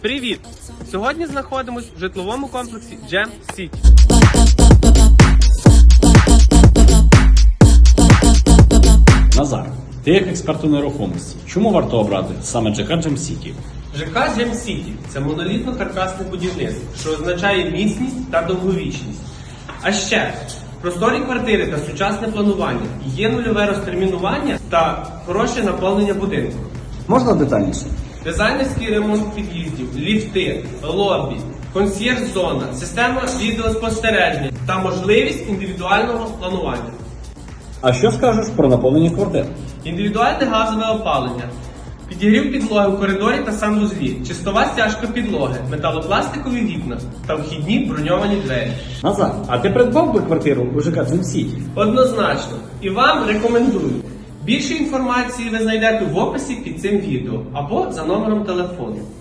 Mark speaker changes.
Speaker 1: Привіт! Сьогодні знаходимось в житловому комплексі Gem City.
Speaker 2: Назар, ти як експерт у нерухомості, чому варто обрати саме ЖК Gem City?
Speaker 1: ЖК Gem City – це монолітно-каркасне будівництво, що означає міцність та довговічність. А ще просторі квартири та сучасне планування, є нульове розтермінування та хороше наповнення будинку.
Speaker 2: Можна детальніше?
Speaker 1: Дизайнерський ремонт під'їздів, ліфти, лобі, консьєрж-зона, система відеоспостереження та можливість індивідуального планування.
Speaker 2: А що скажеш про наповнення квартир?
Speaker 1: Індивідуальне газове опалення, підігрів підлоги у коридорі та санвузлі, чистова стяжка підлоги, металопластикові вікна та вхідні броньовані двері.
Speaker 2: Назар, а ти придбав би квартиру у ЖК Gem City?
Speaker 1: Однозначно. І вам рекомендую. Більше інформації ви знайдете в описі під цим відео або за номером телефону.